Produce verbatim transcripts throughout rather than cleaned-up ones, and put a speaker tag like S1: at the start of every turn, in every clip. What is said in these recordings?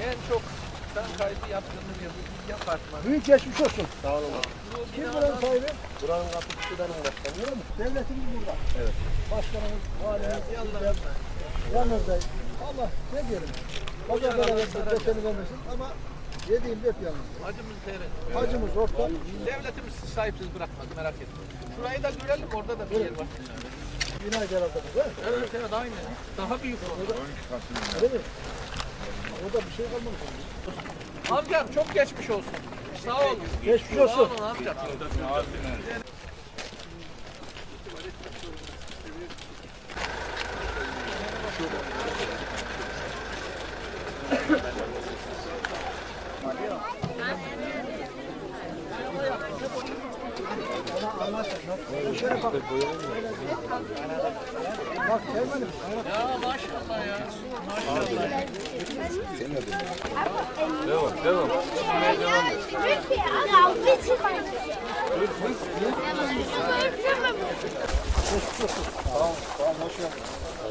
S1: En çok sen kaydı yaptığımız yıl iki apartman.
S2: Büyük geçmiş olsun.
S3: Sağ olun.
S2: Kim buranın sahibi?
S3: Buranın kapıcısı benim başkanım.
S2: Öyle mi? Devletimiz burada.
S3: Evet.
S2: Başkanımız, valimiz,
S1: Yanlarında.
S2: yanınızdayız. Allah ne diyelim. Pazar berabersin, deseni vermesin ama yediğim hep yalnız.
S1: Acımız seyret.
S2: Hacımız orta.
S1: Devletimiz sizi sahipsiz bırakmaz, merak etmeyin. Şurayı da görelim, orada da bir yer var.
S2: Bina herhalde bu değil mi?
S1: Evet evet aynı. Daha büyük oldu.
S2: Öyle mi? Orada bir şey kalmamış.
S1: Amcam çok geçmiş olsun. Sağ olun.
S2: Geçmiş
S1: Sağ
S2: olsun.
S1: olun amcam.
S2: Şöyle bak. Bak Selman'ım.
S1: Ya maşallah ya. Maşallah.
S3: Devam, devam. Tamam, tamam, hoş geldin.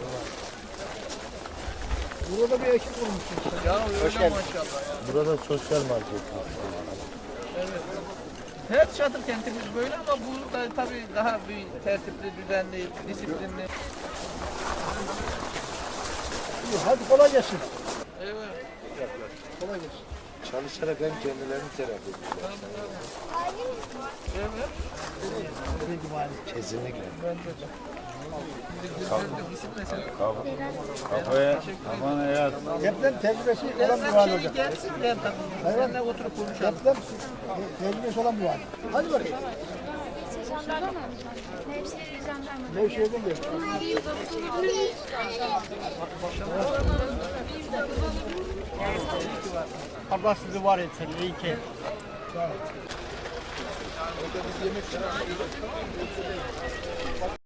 S2: Burada bir ekip kurmuşsun.
S1: Ya öyle maşallah ya.
S3: Burada sosyal market.
S1: Evet. Her çadır kentimiz böyle ama bu da tabii daha bir tertipli, düzenli, disiplinli.
S2: İyi, hadi kolay gelsin.
S1: Evet.
S2: Kolay gelsin.
S3: Çalışarak hem kendilerini terapi ediyorlar.
S1: Evet.
S3: Kesinlikle.
S4: Kafaya, kafana yat.
S2: Deprem tecrübesi olan bir
S1: Deprem
S2: vali
S1: şeyi
S2: hocam.
S1: gelsin gel tabii. Seninle oturup konuşalım.
S2: Deprem tecrübesi olan bir vali. Hadi bakayım.
S5: Jandarma mı? Nevşehir jandarma.
S2: Nevşehir'den gel.
S6: Allah sizi var etsin. İyi ki.
S2: Orada biz yemek